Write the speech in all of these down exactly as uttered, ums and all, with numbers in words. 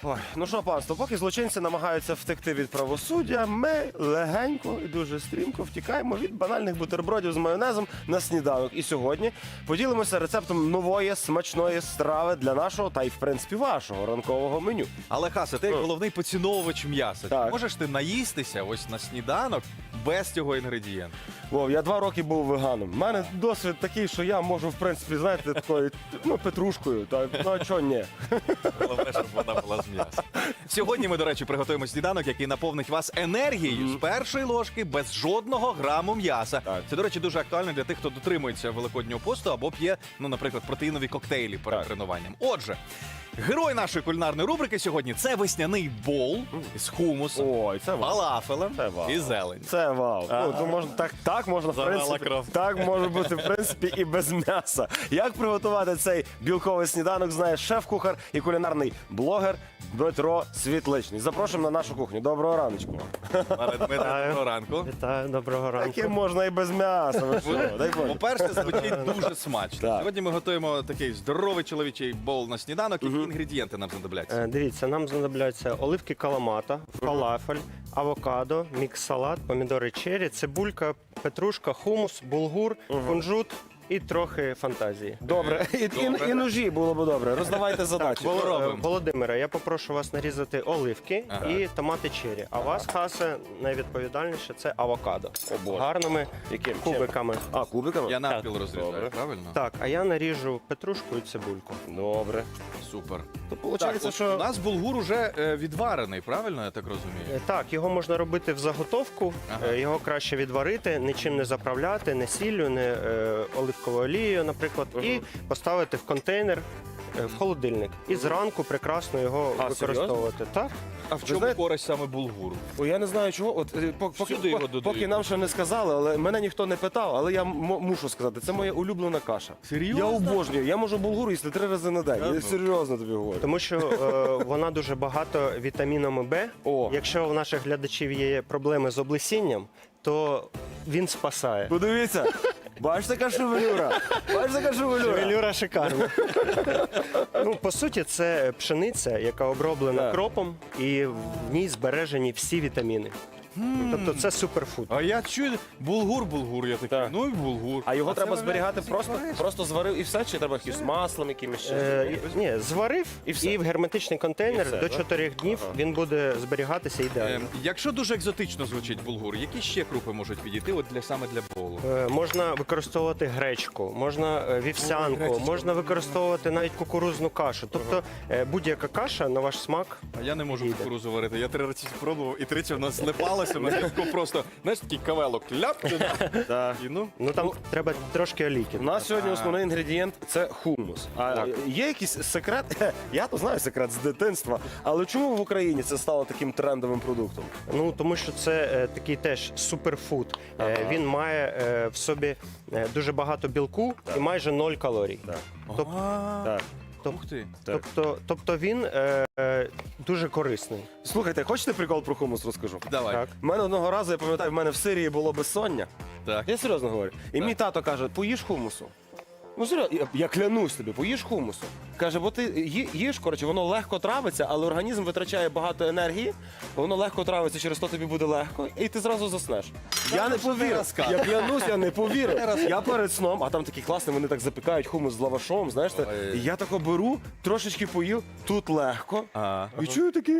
Ой, ну що, панство, поки злочинці намагаються втекти від правосуддя, ми легенько і дуже стрімко втікаємо від банальних бутербродів з майонезом на сніданок. І сьогодні поділимося рецептом нової смачної страви для нашого та й, в принципі, вашого ранкового меню. Але, Хасе, ти як головний поціновувач м'яса. Так. Чи можеш ти наїстися ось на сніданок без цього інгредієнту? Вов, я два роки був веганом. У мене досвід такий, що я можу, в принципі, знаєте, такою, ну, петрушкою. Та, ну, а чого ні? Головне, щоб вона була з м'яса. Сьогодні ми, до речі, приготуємо сніданок, який наповнить вас енергією з першої ложки без жодного граму м'яса. Так. Це, до речі, дуже актуально для тих, хто дотримується великоднього посту або п'є, ну, наприклад, протеїнові коктейлі перед Так. тренуванням. Отже, герой нашої кулінарної рубрики сьогодні – це весняний бол з хумусом, Ой, це вау. фалафелем Це вау. і зелень. Це вау. Ну, то можна, так, так можна, в Завела принципі, кров. так може бути, в принципі, і без м'яса. Як приготувати цей білковий сніданок, знає шеф-кухар і кулінарний блогер Дмитро Світличний. Запрошуємо на нашу кухню. Доброго раночку. Пане Дмитре, доброго ранку. Вітаю, доброго ранку. Таке можна і без м'яса. Ви що? Дай Боже. По-перше, звучить дуже смачно. Так. Сьогодні ми готуємо такий здоровий чоловічий бол на сніданок. Які інгредієнти нам знадобляться? Е, Дивіться, нам знадобляться оливки каламата, фалафель, авокадо, мікс-салат, помідори черрі, цибулька, петрушка, хумус, булгур, кунжут і трохи фантазії. Добре. І, Добре. і, і ножі було б добре. Роздавайте задачі. Воло- Е, робимо. Володимире, я попрошу вас нарізати оливки Ага. і томати черрі. А вас, Хасе, найвідповідальніше це авокадо. Боже. Гарними Яким? кубиками. А, кубиками? Я навпіл розрізаю, Добре. правильно? Так, а я наріжу петрушку і цибульку. Добре. Супер. То Так, виходить, от що... у нас булгур уже е, відварений, правильно я так розумію? Е, Так, його можна робити в заготовку, Ага. е, його краще відварити, нічим не заправляти, не сіллю, не е, оливковою олією, наприклад, і поставити в контейнер е, в холодильник. І зранку прекрасно його А, використовувати. Так? А в чому знаєте- користь саме булгуру? Ой, я не знаю чого. От е, по- поки, Сюди його по- додають. поки нам ще не сказали, але мене ніхто не питав, але я м- мушу сказати, це моя улюблена каша. Серйозно? Я обожнюю. Я можу булгур їсти три рази на день. Да, Я ну. серйозно тобі говорю. Тому що е, вона дуже багато вітамінами Б. О. Якщо у наших глядачів є проблеми з облесінням, то він спасає. Подивіться. Бачите, яка шевелюра? Бачите, яка шевелюра? Шевелюра шикарна. Ну, по суті, це пшениця, яка оброблена Так. кропом, і в ній збережені всі вітаміни. Тобто це суперфуд. А я чую булгур, булгур, я такий, Так. ну і булгур. А його це, треба виявляється, зберігати всі просто, корисно. просто зварив і все, чи треба якимось маслом, якимось ще? Е, ні, зварив І і, все. в герметичний контейнер І все, до да? чотирьох днів Ага. він буде зберігатися Е, ідеально. Якщо дуже екзотично звучить булгур, які ще крупи можуть підійти от для саме для болу? Е, Можна використовувати гречку, можна е, вівсянку, гречечку. можна використовувати навіть кукурудзну кашу. Тобто е, будь-яка каша на ваш смак. А я не можу Підійде. кукурузу варити. Я три рази спробував, і тричі в нас злипалося на зв'язку просто, знаєш, такий кавелок ляп, Так. і ну. Ну там треба трошки олійки. У нас сьогодні основний інгредієнт це хумус. А Так. є якийсь секрет? Я то знаю секрет з дитинства. Але чому в Україні це стало таким трендовим продуктом? Ну тому що це е, такий теж суперфуд. Е, Ага. Він має е, в собі е, дуже багато білку і майже ноль калорій. Так. Тоб- А, Так. Ух ти. Так. Тобто, тобто він е, е, дуже корисний. Слухайте, хочете прикол про хумус розкажу? Давай. Так. У мене одного разу, я пам'ятаю, в мене в Сирії було безсоння. Так. Я серйозно говорю. І Так. мій тато каже, поїж хумусу. Ну серйозно, я, я клянусь тобі, поїж хумусу. Каже, бо ти ї- їж, коротше, воно легко травиться, але організм витрачає багато енергії, воно легко травиться, через то тобі буде легко, і ти зразу заснеш. Я не що ти повірив. розказуєш? Я клянусь, я не повірив. Я перед сном, а там такі класні, вони так запікають хумус з лавашом, знаєш. те. Ой. І я тако беру, трошечки поїв, тут легко. А. І чую такий.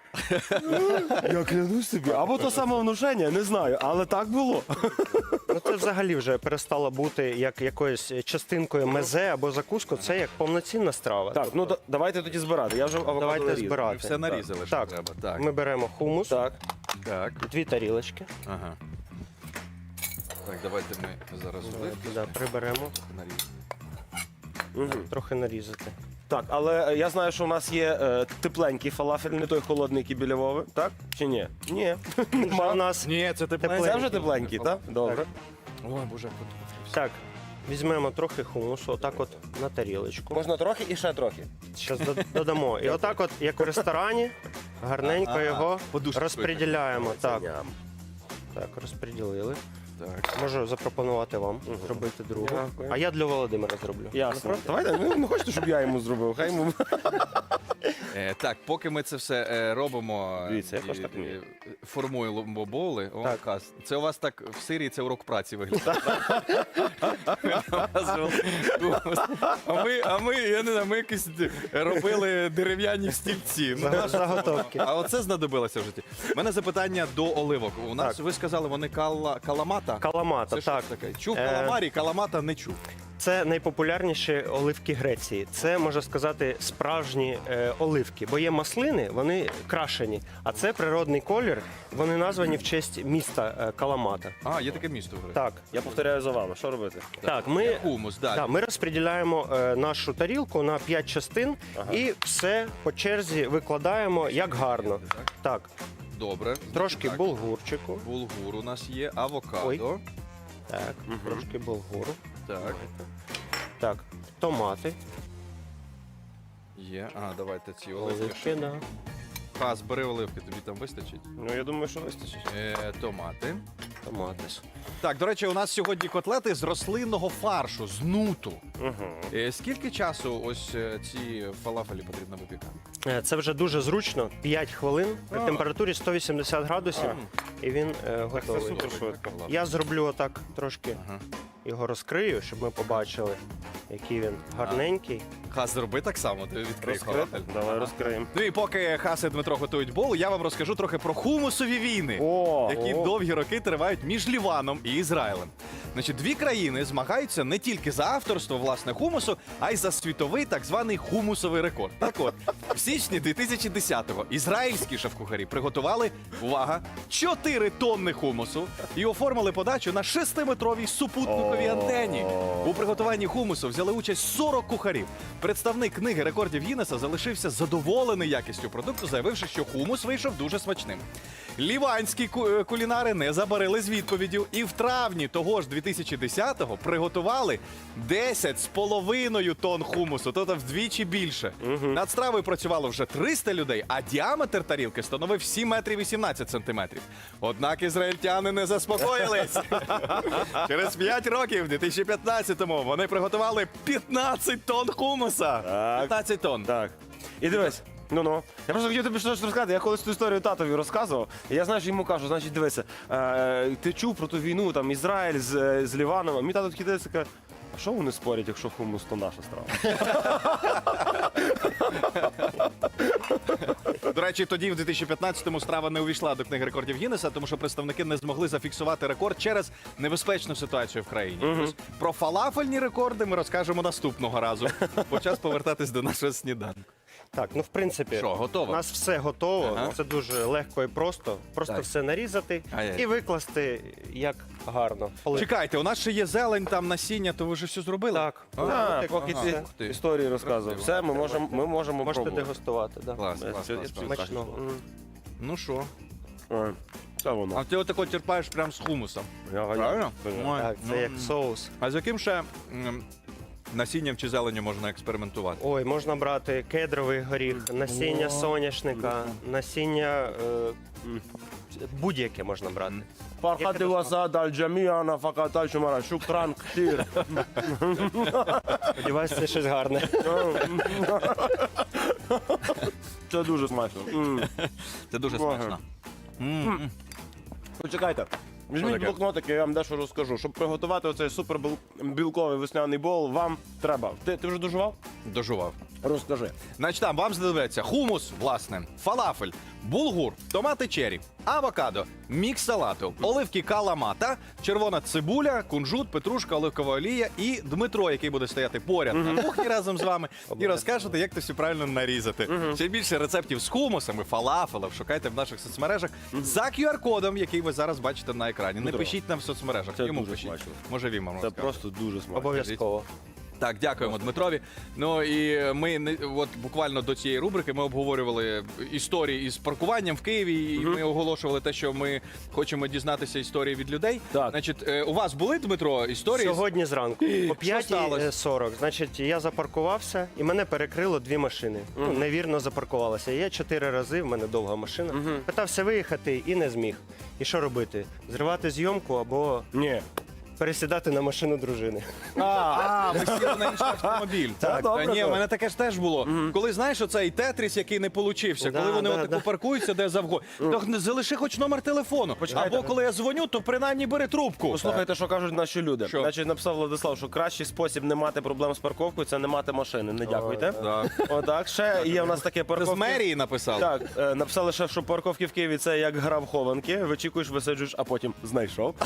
Я клянусь тобі. Або то самовнушення, не знаю, але так було. Ну це взагалі вже перестало бути як якоюсь частинкою мезе або закуску. Це як повноцінна страва. Так, ну да- давайте тоді збирати. Я вже авокадо Давайте нарізав. Ми збирати. все нарізали, що Так. треба. Так. Ми беремо хумус, Так. Так. дві тарілочки. Ага. Так, давайте ми зараз оливки Да, приберемо, наріжемо. Мгм. трохи нарізати. Так, але е, я знаю, що у нас є е, тепленький фалафель, не той холодний, який біля Вови, так? Чи ні? Ні. Вже у Нема. нас Ні, це Тепленький. Це вже тепленький, так? Добре. Ой, боже, так. Візьмемо трохи хумусу, отак от на тарілочку. Можна трохи і ще трохи. Зараз додамо. І отак, от, як у ресторані, гарненько Ага, його подушечкою. розподіляємо. Так, Ням. так, розподілили. Так. Можу запропонувати вам зробити другу. Дякую. А я для Володимира зроблю. Ясно. Давайте, ну не хочете, щоб я йому зробив, хай йому. Е, так, поки ми це все е, робимо, Дивіться, я і- теж так вмію. і формуємо боули. О, Так. Хас, це у вас так в Сирії це урок праці виглядає. А ми, а ми, я не знаю, ми якісь робили дерев'яні стільці. Ну, Заг- Заготовки. а оце знадобилося в житті. У мене запитання до оливок. У нас, Так. ви сказали, вони кала, каламата? Каламата, Це що так. ж таке? Чув Е, каламарі, каламата не чув. Це найпопулярніші оливки Греції. Це, можна сказати, справжні е, оливки. Бо є маслини, вони крашені. А це природний колір. Вони названі в честь міста е, Каламата. А, є таке місто. в Греції. Так, Я повторяю за вами, що робити? так, ми, Хумус, так. да, ми розподіляємо е, нашу тарілку на п'ять частин і все по черзі викладаємо як гарно. Так. Так, Добре. трошки Так. булгурчику. Булгур у нас є, авокадо. Ой. Так, трошки булгуру. Так, Так, томати, є. А, давайте ці оливки. оливки, да. Хас, бери оливки, тобі там вистачить. Ну я думаю, що вистачить. Е, томати. Томати. Так, до речі, у нас сьогодні котлети з рослинного фаршу, з нуту. Угу. Е, скільки часу ось е, ці фалафелі потрібно випікати? Е, Це вже дуже зручно. п'ять хвилин при А. температурі сто вісімдесят градусів, і він е, Це готовий. супер швидко. Я зроблю отак трошки Ага. його розкрию, щоб ми побачили, який він гарненький. Хас, зроби так само, ти відкрий Розкрити? фалафель. Давай розкриємо. Ну і поки Хас і Дмитро готують бол, я вам розкажу трохи про хумусові війни. О, які о. довгі роки тривають між Ліваном і Ізраїлем. Значить, дві країни змагаються не тільки за авторство власне хумусу, а й за світовий так званий хумусовий рекорд. Так от, в січні дві тисячі десятого ізраїльські шеф-кухарі приготували, увага, чотири тонни хумусу і оформили подачу на шестиметровій супутниковій антені. У приготуванні хумусу взяли участь сорок кухарів. Представник книги рекордів Гіннеса залишився задоволений якістю продукту, заявивши, що хумус вийшов дуже смачним. Ліванські ку- е, кулінари не забарили з відповіддю і в травні того ж дві тисячі десятого приготували десять з половиною тонн хумусу, тобто вдвічі більше. Над стравою працювало вже триста людей, а діаметр тарілки становив сім метрів вісімнадцять сантиметрів. Однак ізраїльтяни не заспокоїлись. Через п'ять років, в дві тисячі п'ятнадцятому, вони приготували п'ятнадцять тонн хумуса. Так. п'ятнадцять тонн. Так. І дивись. Ну ну. Я просто хотів тобі щось розказати. Я колись ту історію татові розказував. І я, знаєш, йому кажу, значить, дивися, е, ти чув про ту війну, там Ізраїль з, е, з Ліваном. А мій тато такий дивиться, каже, а що вони спорять, якщо хумус, то наша страва? До речі, тоді в дві тисячі п'ятнадцятому страва не увійшла до книги рекордів Гіннеса, тому що представники не змогли зафіксувати рекорд через небезпечну ситуацію в країні. Тобто про фалафельні рекорди ми розкажемо наступного разу. Бо час повертатись до нашого сніданку. Так, ну в принципі, Що, готово? у нас все готово. Ага. Це дуже легко і просто. Просто Так. все нарізати Ай-яй. і викласти як гарно. Оливки. Чекайте, у нас ще є зелень, там насіння, то ви вже все зробили? Так. А, Так, ага. поки Ага. ти Ух ти. історії розказував. Все, ми можемо, ми можемо Можете пробувати. дегустувати. Да. Клас, Е, клас, це- клас, це клас. Смачного. М. Ну що? Ой, Це воно. А ти отако терпаєш прямо з хумусом. Я ганяю. Правильно? Ой, Так, це ну, як соус. А з яким ще м, насінням чи зеленню можна експериментувати? Ой, можна брати кедровий горіх, насіння соняшника, насіння е, м, будь-яке можна брати. Фархати васада аль-джаміана факата чумара шукран ктір. Сподіваюся, це щось гарне. Це дуже смачно. М. Це дуже Ага. смачно. М. Почекайте. Візьміть таке? блокнотики, я вам дещо розкажу. Щоб приготувати оцей супербілковий весняний бол, вам треба. Ти, ти вже дожував? Дожував. Розкажи. Значить, там вам знадобиться хумус, власне, фалафель, булгур, томати чері, авокадо, мікс салату, оливки каламата, червона цибуля, кунжут, петрушка, оливкова олія і Дмитро, який буде стояти поряд на кухні разом з вами і розкажете, як це все правильно нарізати. Ще більше рецептів з хумусами, фалафелем шукайте в наших соцмережах за кю ар-кодом, який ви зараз бачите на екрані. Не Дмитро, пишіть нам в соцмережах, це йому дуже пишіть. смачно. Може він вам Це розкаже. просто дуже смачно. Обов'язково. Так, дякуємо Дмитрові. Ну і ми не- от буквально до цієї рубрики ми обговорювали історії із паркуванням в Києві, і ми оголошували те, що ми хочемо дізнатися історії від людей. Так. Значить, е, у вас були, Дмитро, історії? з- Сьогодні зранку о п'ятій сталося? сорок. Значить, я запаркувався і мене перекрило дві машини. Ну, невірно запаркувалася. Я чотири рази, в мене довга машина. Питався виїхати і не зміг. І що робити? Зривати зйомку або Ні. пересідати на машину дружини. А, ви сіли на інший автомобіль. Так, добре, Та ні, так. у мене таке ж теж було. Коли знаєш, оцей тетріс, який не получився, Да, коли вони да, отаку да. паркуються, де завгодно. То залиши хоч номер телефону. Почекайте. Або коли я дзвоню, то принаймні бери трубку. Послухайте, що кажуть наші люди. Що? Значить, написав Владислав, що кращий спосіб не мати проблем з парковкою це не мати машини. Не дякуйте. Так. Отак, ще є в нас таке Це з парковки. мерії написав. Так, е, написали ще, що парковки в Києві це як гра в хованки. Вичікуєш, висаджуєш, а потім знайшов.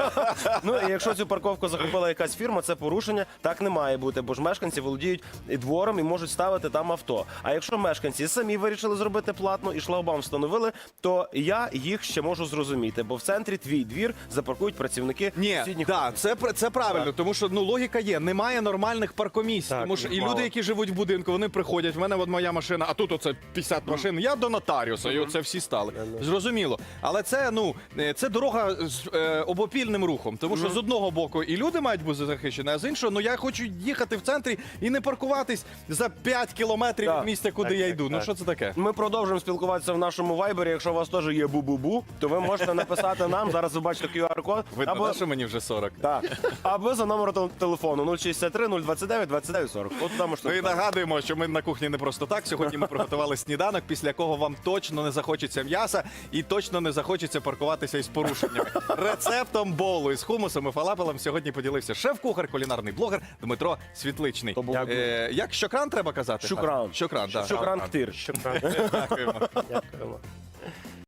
Ну і якщо цю парковку захопила якась фірма, це порушення. Так не має бути, бо ж мешканці володіють і двором і можуть ставити там авто. А якщо мешканці самі вирішили зробити платну і шлагбаум встановили, то я їх ще можу зрозуміти, бо в центрі твій двір запаркують працівники Ні, сусідніх. да, це, пр- це правильно, тому що ну логіка є. Немає нормальних паркомісць. Так, Тому що і мало. люди, які живуть в будинку, вони приходять. В мене от моя машина, а тут оце п'ятдесят машин. Я до нотаріуса, і оце всі стали. Зрозуміло. Але це ну е, це дорога з е, обопільним рухом. Тому що з одного боку і люди мають бути захищені, а з іншого, ну я хочу їхати в центрі і не паркуватись за п'ять кілометрів Так. від місця, куди Так, я так, йду. Ну так. що це таке? Ми продовжуємо спілкуватися в нашому вайбері. Якщо у вас теж є бу-бу-бу, то ви можете написати нам. Зараз ви бачите кю ар код. Видно, або, да, що мені вже сорок. так, або за номером тел- телефону нуль шістдесят три нуль двадцять дев'ять двадцять дев'ять сорок. От там можете. Ну і нагадуємо, що ми на кухні не просто так. Сьогодні ми приготували сніданок, після якого вам точно не захочеться м'яса і точно не захочеться паркуватися із порушеннями. Рецептом болу із хумусом і фалафелем сьогодні поділився шеф-кухар, кулінарний блогер Дмитро Світличний. Дякую. Е, як щокран треба казати? Щокран. Щокран, так. Шукран ктир. Що правда? Дякуємо. Дякуємо.